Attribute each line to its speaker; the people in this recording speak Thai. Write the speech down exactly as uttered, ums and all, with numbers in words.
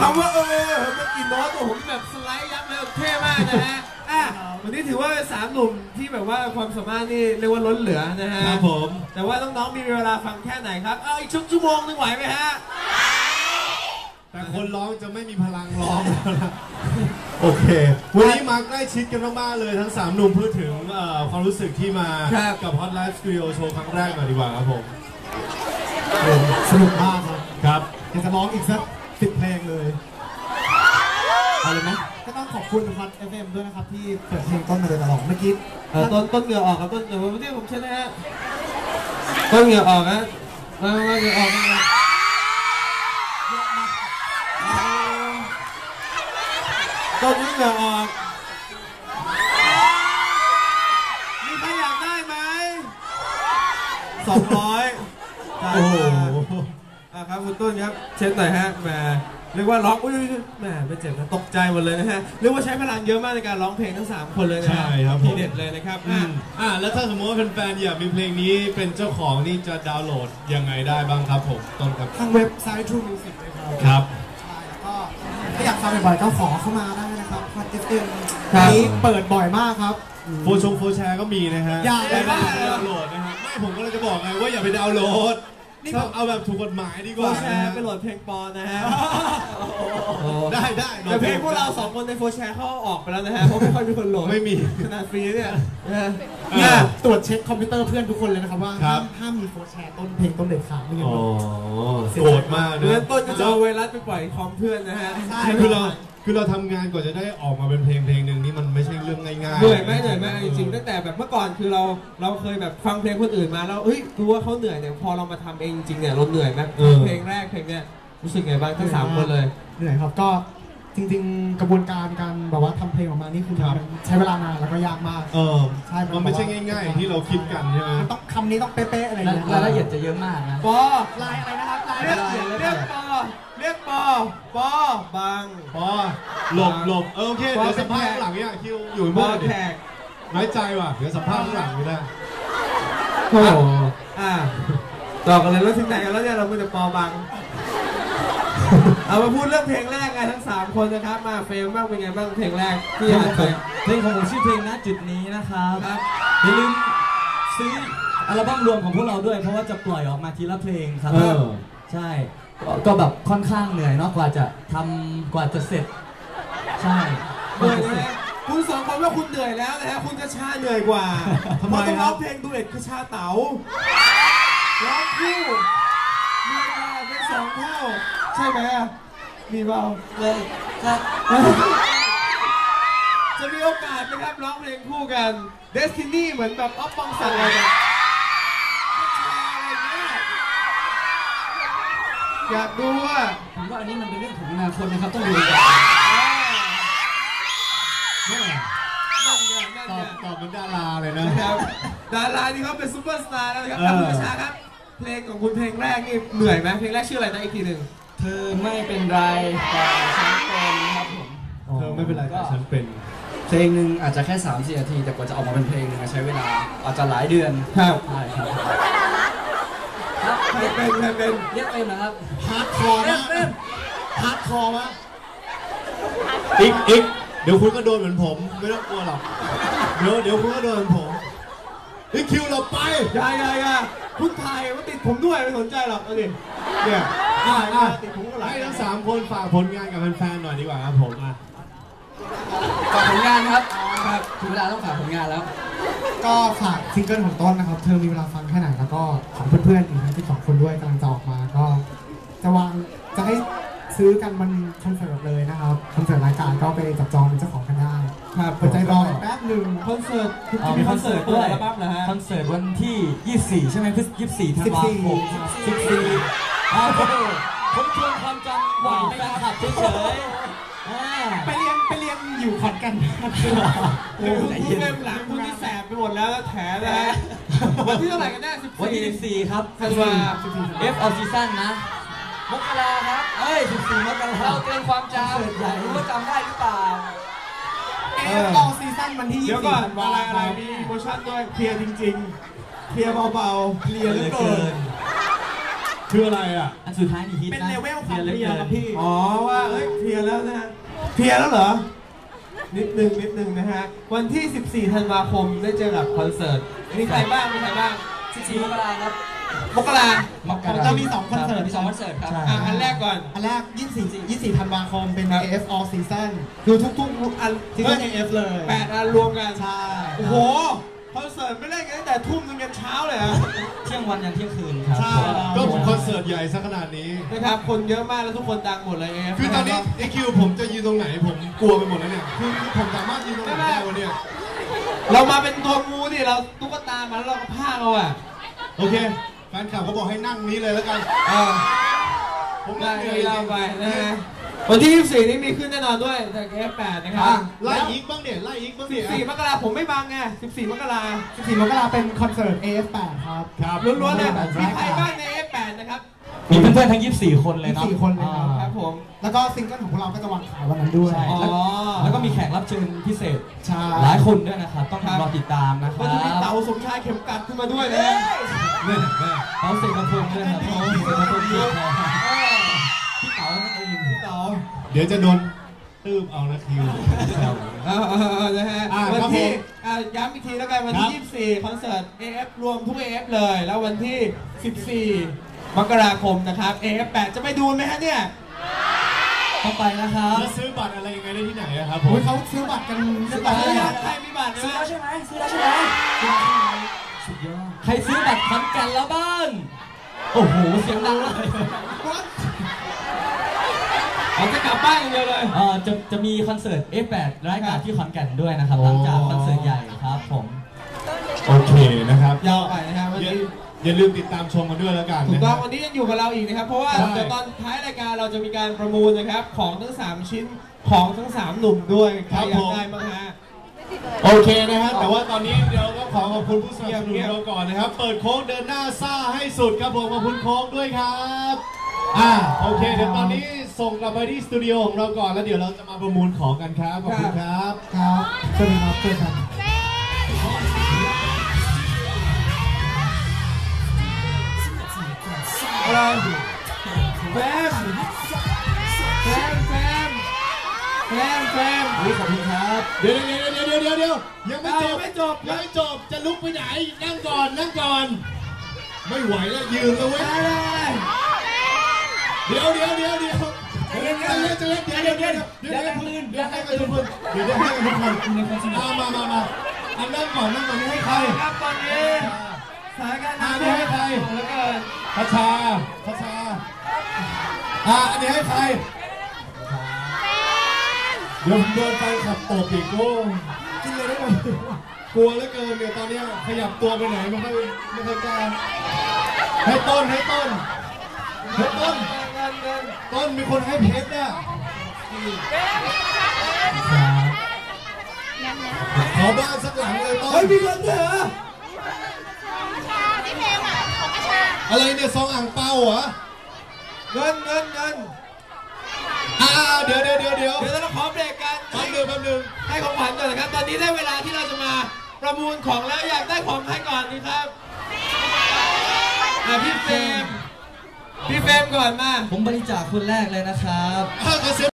Speaker 1: ำว่าเออเมื่อกี้โน้ตผมแบบสไลด์ยับเลยเท่มากนะฮะอ่ะวันนี้ถือว่าสามหนุ่มที่แบบว่าความสามารถนี่เรียกว่าล้นเหลือนะฮะครับผมแต่ว่าน้องๆมีเวลาฟังแค่ไหนครับเอาอีกชั่วโมงนึงไหวไหมฮะ
Speaker 2: แต่คนร้องจะไม่มีพลังร้องโอเควันนี้มาใกล้ชิดกันมากๆเลยทั้งสามหนุ่มพูดถึงความรู้สึกที่มากับ Hot Live Studio Show ครั้งแรกหน่อยดีกว่าครับผม
Speaker 3: สนุกมากครับ
Speaker 2: ครับ
Speaker 3: อยากจะร้องอีกสักสิบเพลงเลยเอาเลยไหมก็ต้องขอบคุณ Hot เอฟ เอ็ม ด้วยนะครับที่เปิดเพลงต้นมาโดยตลอดเมื่อกี้
Speaker 1: ต้นต้นเหงื่อออกครับต้นเหงื่อวันนี้ผมชนะฮะต้นเหงื่อออกนะมาเหงื่อออกนะต้นเหงื่อออกมีใครอยากได้ไหมสองร้อยโอ้โหอ่ะครับคุณต้นครับเช็ดหน่อยฮะแหมเรียกว่าร้องอุ้ยแหมไม่เจ็บนะตกใจหมดเลยนะฮะเรียกว่าใช้พลังเยอะมากในการร้องเพลงทั้งสามคนเลยนะ
Speaker 2: ใช่ครับ
Speaker 1: ทีเด็ดเลยนะครับอ่ะ
Speaker 2: อ่ะแล้วถ้าสมมติว่าแฟนๆอยากมีเพลงนี้เป็นเจ้าของนี่จะดาวน์โหลดยังไงได้บ้างครับผมต้นครับ
Speaker 3: ทางเว็บไซต์ True Music เลยครับ
Speaker 2: ครับ
Speaker 3: ใช่แล้วก็ถ้าอยากฟังบ่อยๆก็ขอเข้ามาได้นะครับ Hot เอฟ เอ็ม นี้เปิดบ่อยมากครับ
Speaker 2: โฟชงโฟแชร์ก็มีนะฮะ
Speaker 3: อย่าไป
Speaker 2: ดาวน์โหลดนะฮะไม่ผมก็เลยจะบอกไงว่าอย่าไปดาวน์โหลดนี่เอาแบบถูกกฎหมายดีกว่า
Speaker 1: โฟแชร์ไปโหลดเพลงปอนนะฮะ
Speaker 2: ได้ได้
Speaker 1: แต่เพลงพวกเราสองคนในโฟแชร์เขาออกไปแล้วนะฮะเพราะไม่ค่อยมีคนโหลด
Speaker 2: ไม่มี
Speaker 1: ขนาดฟรีเนี่ย
Speaker 3: ตรวจเช็คคอมพิวเตอร์เพื่อนทุกคนเลยนะครับว่าห้ามมีโฟแชร์ต้นเพลงต้นเด็ดขาดไม่งั้น
Speaker 2: โกรธมาก
Speaker 1: นะต้นจะเอาไวรัสไปปล่อยคอมเพื่อนนะฮะ
Speaker 2: คือเราคือเราทำงานกว่าจะได้ออกมาเป็นเพลงเพลงหนึ่งนี่มันไม่ใช่เรื่องง่ายๆ
Speaker 1: เหนื่อยไหมเหนื่อยไหมจริงๆตั้งแต่แบบเมื่อก่อนคือเราเราเคยแบบฟังเพลงคนอื่นมาแล้วเฮ้ยรู้ว่าเขาเหนื่อยเนี่ยพอเรามาทำเองจริงเนี่ยเราเหนื่อยไหมเพลงแรกเพลงเนี้ยรู้สึกไงบ้างทั้งสามคนเลย
Speaker 3: เหนื่อยครับก็จริงๆกระบวนการการแบบว่าทำเพลงออกมานี่คือใช้เวลานานแล้วก็ยากมาก
Speaker 2: เออใช่มันไม่ใช่ง่ายๆที่เราคิดกันใช่ไหม
Speaker 3: ต้องคำนี้ต้องเป๊ะๆอะไรอย่างเงี้ย
Speaker 4: รายละเอียดจะเยอะมากนะ
Speaker 1: ปอ
Speaker 3: ลายอะไรนะครับลาย
Speaker 1: เรียกเรียกปอเรียกปอปอบาง
Speaker 2: ปอหลบหลบเออโอเคเดี๋ยวสัมภาษณ์ข้างหลังเนี่ยคิวอยู่เมื่อไหร่น้อยใจว่ะเดี๋ยวสัมภาษณ์ข้างหลังไม่ได้
Speaker 1: โอ้อ่าต่อกันเลยแล้วถึงไหนกันแล้วเนี่ยเราเป็นแต่ปอบางเอามาพูดเรื่องเพลงแรกกันทั้งสามคนนะครับมาเฟรมบ้างเป็นไงบ้างเพลงแรกที่อ่านไป
Speaker 4: เพลงของผมชื่อเพลงณจุดนี้นะครับอย่าลืมซื้ออัลบั้มรวมของพวกเราด้วยเพราะว่าจะปล่อยออกมาทีละเพลงครับใช่ก็แบบค่อนข้างเหนื่อยเนาะกว่าจะทำกว่าจะเสร็จใช่
Speaker 1: เหนื่อยนะคุณสองคนว่าคุณเหนื่อยแล้วนะฮะคุณกระชาเหนื่อยกว่าทำไมต้องร้องเพลงดูเอ็ดกระชาเต๋าร้องคู่มีเวลาเป็นสองเท่าใช่ไหมมีเบา
Speaker 4: เลยครับ
Speaker 1: จะมีโอกาสนะครับร้องเพลงคู่กัน Destiny เหมือนแบบอ๊อฟปองศักดิ์อะไรแบบอยากดูว่า
Speaker 4: ผมว่าอันนี้มันเป็นเรื่องของอนาคตนะครับต้องดูกัน
Speaker 2: นี่ไงตอบตอบเป็นดาราเลยนะ
Speaker 1: ดารานี่เขาเป็นซูเปอร์สตาร์แล้วนะครับคุณประชาครับเพลงของคุณเพลงแรกนี่เหนื่อยไหมเพลงแรกชื่ออะไรนะอีกทีหนึ่ง
Speaker 4: เธอไม่เป็นไรแต่ฉันเป็นครับผม
Speaker 2: เธอไม่เป็นไรแต่ฉันเป็น
Speaker 4: เพลงหนึ่งอาจจะแค่สามสี่นาทีแต่กว่าจะออกมาเป็นเพลงนึงใช้เวลาอาจจะหลายเดือน
Speaker 1: ครับ
Speaker 4: ใช่ครับ
Speaker 1: เป็นเป็นเป็น
Speaker 4: เรียกเป็นนะครับ
Speaker 3: ฮาร์ดคอร์นะฮาร์ดคอร์มะ
Speaker 2: อีกอีกเดี๋ยวคุณก็โดนเหมือนผมไม่ต้องกลัวหรอกเดี๋ยวเดี๋ยวคุณก็โดนเหมือนผมอีกคิวเราไป
Speaker 1: ยายยายคุณไทยว่าติดผมด้วยไม่สนใจหรอกเอาดิเนี่ย
Speaker 2: ติดผมก็หลายให้ทั้งสามคนฝากผลงานกับแฟนๆหน่อยดีกว่าครับผมอ่ะ
Speaker 4: ฝากผลงานครับครับถึงเวลาต้องฝากผลงานแล้ว
Speaker 3: ก็ฝากซิงเกิลของต้นนะครับเธอมีเวลาฟังแค่ไหนแล้วก็ของเพื่อนๆอีกทั้งที่สองคนด้วยกำลังจะออกมาก็จะวางจะให้ซื้อกันมันคอนเสิร์ตเลยนะครับคอนเสิร์ตรายการก็ไปจับจองเป็นเจ้าของกันได้
Speaker 1: ครับ
Speaker 3: เปิดใจรอแป๊บหนึ่ง
Speaker 1: คอนเสิร์ต
Speaker 4: มีคอนเสิร์ตด้วยคอนเสิร์ตวันที่ยี่สิบสี่ใช่ไหมพฤศจิกายนยี่สิบสี่ธันวาคมสิบสี่อ้าวผมทวนความจำหวานไปขับเฉย
Speaker 3: ไปเรียนไปเรียนอยู่ขอนแก่น
Speaker 1: โอ้ยคุณเริ่มหลังคุณที่แสบไปหมดแล้วแถนะฮะวันที่เท่าไหร่กันแน่สิบ
Speaker 4: วันที่สิบสี่ครับ
Speaker 1: ธันวา
Speaker 4: เอฟเอาซีซั่นนะมกราครับเอ้ยสิบสี่มกราเราเตือนความจำรู้ว่าจำได้หรือเปล่า
Speaker 3: เอฟเอาซีซั่นวันที่
Speaker 1: ยี่สิบสี่ธันวาอะไรมีโปรโมชั่นด้วยเคลียร์จริงๆเคลียร์เบาๆ
Speaker 3: เคลียร์เหลือเกิน
Speaker 1: เค
Speaker 2: คืออะไรอ่ะ
Speaker 4: อันสุดท้ายนี่ฮิตนะ
Speaker 3: เป็นเลเวลความ
Speaker 4: หลื
Speaker 3: เพลียครับพี่
Speaker 1: อ๋อว่าเอ้ยเพลียแล้วนะฮะเพลียแล้วเหรอนิดนึงนิดนึงนะฮะวันที่ สิบสี่ ธันวาคมได้เจอกับคอนเสิร์ตมีใครบ้างมีใครบ้าง
Speaker 4: สิบสี่มกราครับ
Speaker 1: มกรา
Speaker 4: มกรา
Speaker 3: จะมีสองคอนเสิร์ต
Speaker 4: มีสองคอนเสิร์ตครับ
Speaker 1: อ่ะอันแรกก่อน
Speaker 3: อันแรก ยี่สิบสี่ ยี่สิบสี่ ธันวาคมเป็น
Speaker 1: ครับ
Speaker 3: เอ เอฟ All Season
Speaker 1: คือทุกๆอัน
Speaker 3: ซีซั่น เอ เอฟ เลย
Speaker 1: แปดอันรวมกัน
Speaker 3: ใช่
Speaker 1: โอ้โหคอนเสิร์ตไม่เล่นกันตั้งแต่ทุ่มนึงยันเช้าเลยอะ
Speaker 4: เที่ยงวันยันเที่ยงคืนครับ
Speaker 3: ใช่
Speaker 2: ก็คอนเสิร์ตใหญ่ซะขนาดนี้
Speaker 1: นะครับคนเยอะมากแล้วทุกคนดังหมดเลยเอฟ
Speaker 2: คือตอนนี้ไอคิวผมจะยืนตรงไหนผมกลัวไปหมดแล้วเนี่ย คือผมสามารถยืนตรงไหนได้วะเนี่ย
Speaker 1: เรามาเป็นตัวงูดิเราตุ๊กตามาแล้วเราก็พากเอาอะ
Speaker 2: โอเคแฟนคลับเขาบอกให้นั่งนี้เลยแล้วกัน
Speaker 1: เออ
Speaker 2: ผม
Speaker 1: ได้
Speaker 2: นั่งเลย
Speaker 1: ยาวไปนะฮะวันที่ ยี่สิบสี่ นี้มีขึ้นแน่นอนด้วยจาก เอฟ แปด นะครับ
Speaker 2: ไล่อีกบ้างเนี่ยไล่อีกบ้างเนี่ย
Speaker 1: สิบสี่ มกราผมไม่บังไง สิบสี่ มกรา
Speaker 3: สิบสี่ มกราเป็นคอนเสิร์ต เอ เอฟ แปด ครับ
Speaker 2: ครับ
Speaker 1: ล้วนๆเลย
Speaker 3: แบบ
Speaker 1: มีใครบ้างใน เอฟ แปด นะครับ
Speaker 4: มีเพื่อนๆทั้งยี่สิบสี่คนเลยเนาะ
Speaker 3: ยี่สิบสี่คนเลยครับ
Speaker 1: ครับผม
Speaker 3: แล้วก็ซิงเกิลของพวกเราก็จะวางขายวันนั้นด้วย
Speaker 4: ใช่
Speaker 1: อ๋อ
Speaker 4: แล้วก็มีแขกรับเชิญพิเศษ
Speaker 3: ใช่
Speaker 4: หลายคนด้วยนะครับ ต้อง
Speaker 1: ครับ
Speaker 4: รอติดตามนะค
Speaker 1: ก็
Speaker 4: รับ
Speaker 1: จะมีเต๋าสมชายเข็มกัดขึ้นมาด้วยนะ
Speaker 2: แม่แม่
Speaker 4: เขาเสกกระพงด้วยนะครับเขาเสกกระพงด้วยพี่เต๋านั่นเอง
Speaker 1: พี่เต๋า
Speaker 2: เดี๋ยวจะโดนตืบเอานะคิว
Speaker 1: เออเออเออนะฮะ
Speaker 2: อ่า
Speaker 1: วัน
Speaker 2: ครับ
Speaker 1: ที่
Speaker 2: ผม
Speaker 1: อ่าย้ำอีกทีแล้วกันวัน
Speaker 2: ครั
Speaker 1: ที่
Speaker 2: บ
Speaker 1: ยี่สิบสี่ คอนเสิร์ต เอ เอฟ รวมทุก เอ เอฟ เลย แล้ววันที่ สิบสี่ มกราคมนะครับ เอ เอฟ แปด จะไปดูไหมฮะเนี่ย
Speaker 4: ต้องไปนะครับ
Speaker 2: แล้วซื้อบัตรอะไรยังไงได้ที่ไหนอะครับผ
Speaker 3: โอ้
Speaker 2: ม
Speaker 3: ยเขาซื้อบัตรกันเรียบ
Speaker 1: บั
Speaker 3: ร้
Speaker 1: ต
Speaker 3: อ
Speaker 1: ร
Speaker 3: ย
Speaker 1: หรือ
Speaker 3: แล้
Speaker 1: ยั
Speaker 3: ว
Speaker 1: งใครมีบัตรไหม
Speaker 4: ซื้อแล้วใช่ไหมซื้อแล้วใช่ไหมสุดยอดใครซื้อบัตรขอนแก่นแล้วบ้างโอ้โหเสียงดังเลย
Speaker 1: เอาจะกลับบ้านอย่างเดียวเลย
Speaker 4: เอ่อจะจะมีคอนเสิร์ต เอฟ แปด รายการที่ขอนแก่นด้วยนะครับหลังจากคอนเสิร์ตใหญ่ครับผม
Speaker 2: โอเคนะครับ
Speaker 1: ยาวไปนะครับวัน
Speaker 2: อย่า
Speaker 1: นี้
Speaker 2: อย่าลืมติดตามชมกันด้วยแล้วกัน
Speaker 1: ถูก
Speaker 2: นะ
Speaker 1: ต้
Speaker 2: ค
Speaker 1: อ
Speaker 2: รั
Speaker 1: ง
Speaker 2: บ
Speaker 1: วันนี้ยังอยู่กับเราอีกนะครับ เพราะว่า
Speaker 2: ใช่
Speaker 1: เดี๋ยวตอนท้ายรายการเราจะมีการประมูลนะครับของทั้งสามชิ้นของทั้งสามหนุ่มด้วยใครอยากได้บ้างฮะ
Speaker 2: โอเคนะฮะแต่ว่าตอนนี้เดี๋ยวก็ขอขอบคุณผู้สนับสนุนเราก่อนนะครับ เปิดโค้งเดินหน้าซ่าให้สุดครับผมขอบคุณโค้งด้วยครับอ่าโอเคเดี๋ยวตอนนี้ส่งกลับไปที่สตูดิโอของเราก่อนแล้วเดี๋ยวเราจะมาประมูลของกันครับขอบคุณครับ
Speaker 3: ครับสวัสดีครับเจอกัน
Speaker 1: อะไรแฟมแฟมแฟมแฟมแฟม
Speaker 4: อุ๊ยขอบคุณครับ
Speaker 2: เดี๋ยวเดี๋ยวเดี๋ยวเดี๋ยวเดี๋ยวเดี๋ยวยังไม่จบ
Speaker 1: ยังไม่จบ
Speaker 2: ยังไม่จบจะลุกไปไหนนั่งก่อนนั่งก่อน ไม่ไหวแล้วยืนแล้วเว้ย
Speaker 1: ได้ได้
Speaker 2: เดี๋ยวเดี๋ยวเดี๋ยวเดี๋ยวเดี๋ยวเดี๋ยวเดี๋ยวเดี๋ยวเดี๋ยวเดี๋ยวเดี๋ยวเดี๋ยวเดี๋ยวเดี๋ยวเดี๋ยวเดี๋ยวให้ทุกคนเดี๋ยวให้ทุกคนมามามามาอันนั่งก่อนนั่งก่อนนี่ให้ใคร
Speaker 1: ครับตอนนี้สถานการณ์น้ำ
Speaker 2: อันนี้ให้ใคร
Speaker 1: เหลือเกิน
Speaker 2: พัชชาพัชชาอ่ะอันนี้ให้ใครเดี๋ยวผมโดนแฟนขับตบอีกโก้กินเลยได้ไหมกลัวเหลือเกินเดี๋ยวตอนนี้ขยับตัวไปไหนไม่ค่อยไม่ค่อยกล้าให้ต้นให้ต้นให้ต้น
Speaker 1: เงินเงิน
Speaker 2: ต้นมีคนให้เพชรเนี่ยขอบ้านสักหลังเลยต้น
Speaker 1: เฮ้ยมีเงินด้วยเหรอ
Speaker 2: อะไรเนี่ยซองอ่างเปาเหรอ
Speaker 1: เงินเงินเงิน
Speaker 2: อ่าเดี๋ยวเดี๋ยวเดี๋ยวเดี๋ยว
Speaker 1: เดี๋ยวเราขอเบรกกัน
Speaker 2: แป๊บนึงแป๊บนึง
Speaker 1: ให้ของขวัญก่อนนะครับ ตอนนี้ได้เวลาที่เราจะมาประมูลของแล้วอยากได้ของใครก่อนดีครับอ่ะพี่เฟรมพี่เฟรมก่อนมา
Speaker 4: ผมบริจาคคนแรกเลยนะครับ
Speaker 2: อ่าขอเสียง